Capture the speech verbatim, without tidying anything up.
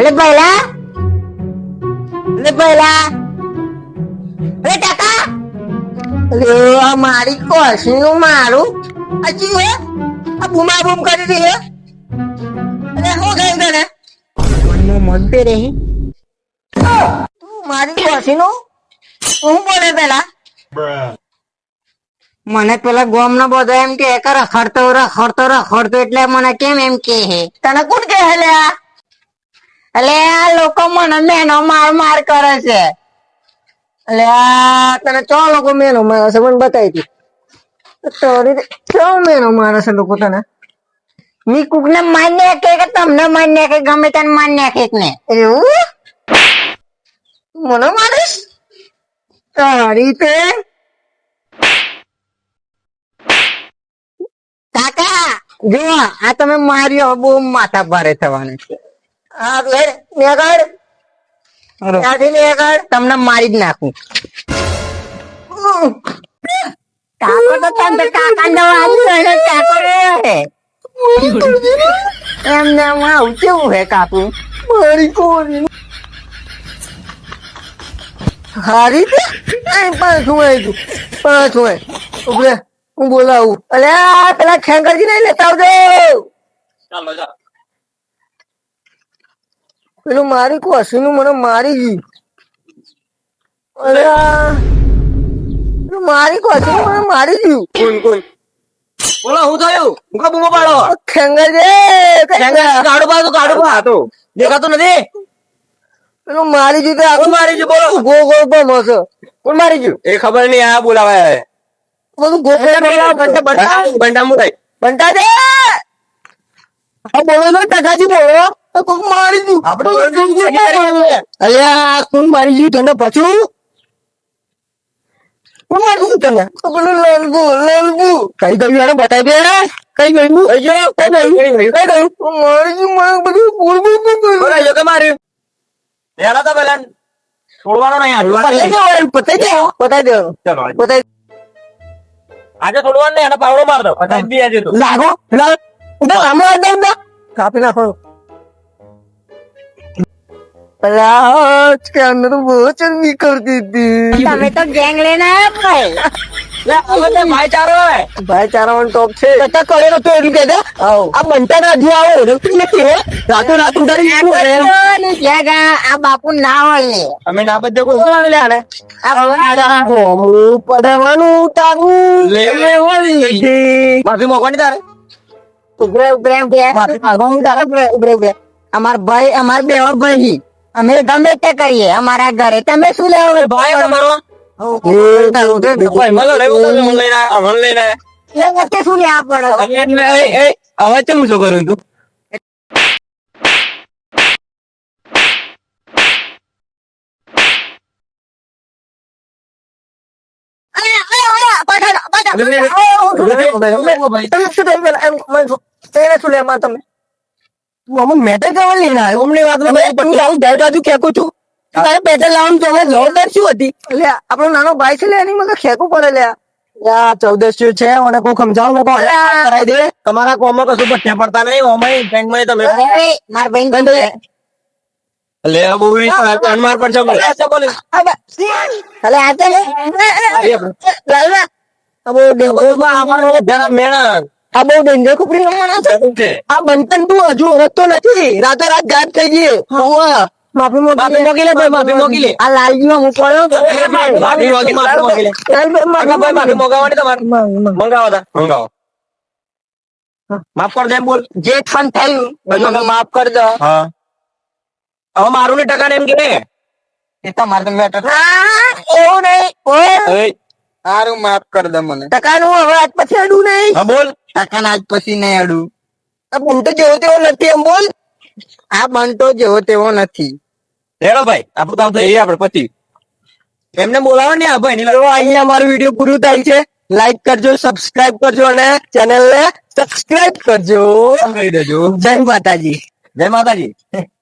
અરે પહેલા અરે પહેલા અરે કાકા અરે આ મારી કોશી નું મારું હજી હે આ બુમા બુમ કરી રહી હે અરે હું ગઈ તને મનમાં મનતે રહી તું મારી કોશી નું હું બોલે પેલા મને પેલા ગોમ નો બધો એમ કે રખડતો રખડતો રખડતો એટલે મને કેમ એમ કે હે તને કોણ કે હે લે આ એટલે આ લોકો મને મેનો માર માર કરે છે એટલે આ તને ચો લોકો મેનો મારે છે મને બતાવી દી તારી ચો મેનો મારે છે લોકો તને મી કુક ને માન્ય કે કે તમને માન્ય કે ગમે તને માન્ય કે ને એવું મને મારીશ તારી તે કાકા જો આ તમે માર્યો બહુ માથા ભારે થવાના છે હા લે નેગડ ત્યાંથી નેગડ તમને મારી જ નાખું કાકો તો તને કાકા નો આવ્યો કાકો રે એમને આવું કેવું હે કાકુ મારી કોની હારી તે પાછું આવ્યું પાછું આય ઉભરે હું બોલાવું અલે પેલા ખેંગરજી નહીં લેતા આવજો ચાલો ચાલો પેલું મારી કોશી નું મને મારી ગયું અરે પેલું મારી કોશી નું મને મારી ગયું કોણ કોણ બોલો હું થયું હું કા બૂમો પાડો ખેંગરજી ખેંગર કાઢો પાડો કાઢો પા તો દેખાતો નથી પેલું મારી ગયું કોણ મારી ગયું બોલો ગો ગો બમ હશે કોણ મારી ગયું એ ખબર નહીં આ બોલાવાય બધું ગોપડા બંટા બંટા બંટા મુરાઈ બંટા દે આ બોલો નો ટકાજી બોલો કોક મારી દીધું આપણે અલ્યા કોણ મારી ગયું તને પાછું કોણ મારી ગયું તને પેલું લાલબુ લાલબુ કઈ ગયું યાર બતાવી દે કઈ ગયું અજો કઈ ગયું કઈ ગયું મારી ગયું મને બધું બોલ બોલ બોલ બોલ કે માર્યું યાર તો પેલા છોડવાનો નહીં યાર પતાઈ દે પતાઈ દે ચલો પતાઈ આજે થોડું ને એને પાવડો માર દો પછી બી આજે તો લાગો લાગ ઉધર હમણાં દે દે કાપી નાખો અલા કે અંદર બહુ ચરબી કરતી હતી તમે તો ગેંગ લેને આયા ભાઈ લે હવે ભાઈચારો હે ભાઈચારો ઓન ટોપ છે તો કરે તો એટલું કે દે આ બંટા ના જો આવો રખતી નથી હે રાતો રાત ઉડાડી શું કરે ને જગા આ બાપુ ના હોય અમે ના બધે કોઈ લે આને આ હોમું પડવાનું તારું લે લે ઓલી માફી મોકવાની તારે ઉભરે ઉભરે ઉભરે માફી માંગવાનું તારે ઉભરે ઉભરે અમાર ભાઈ અમાર બે ભાઈ અમે ગમે તે કરીએ અમારા ઘરે તમે શું લેવો ભાઈ તમારો શું લેવા પડે હવે કેમ શું કરું તું તમે અમુક મેટર કરવા લઈને આવ્યો અમને વાત ખેંકું છું તારે પેટે લાવવાનું તો જવાબદાર શું હતી એટલે આપણો નાનો ભાઈ છે લે એની મને ખેંકવું પડે લે યા ચૌદસ્યું છે મને કોઈ સમજાવો કરાવી દે તમારા કોમમાં કશું પઠ્યા પડતા નહીં ઓમાં બેંક માં તમે માર બેંક લે બહુ માર પર છે બોલે અલે આ તો લાલવા અબો દેવો અમારો મેણા આ બહુ ડેન્જર ખુપરી રમવાના છે આ બંતન તું હજુ ઓળખતો નથી રાતે રાત ગાયબ થઈ ગઈ માફી માફી મોકલી લે ભાઈ માફી મોકલી લે આ લાલજી માં હું પડ્યો માફી મોકલી માફી મોકલી લે ભાઈ માફી મોગાવવાની તમારે મંગાવો તા મંગાવો માફ કર દે બોલ જે ફન થયું બધું માફ કર દો હા હવે મારું ને ટકા ને એમ કે એ તમારે તો મેટર એવું નહીં ઓય સારું માફ કર દે મને ટકા નું હવે આજ પછી અડું નહીં હા બોલ ટકા આજ પછી નહીં અડું આ બંટો જેવો તેવો નથી એમ બોલ આ બંટો જેવો તેવો નથી લેડો ભાઈ આપણું કામ થઈ આપડે પછી એમને બોલાવો ને આ ભાઈ અહીંયા અમારું વિડીયો પૂરું થાય છે લાઈક કરજો સબસ્ક્રાઇબ કરજો અને ચેનલ ને સબસ્ક્રાઇબ કરજો કહી દેજો જય માતાજી જય માતાજી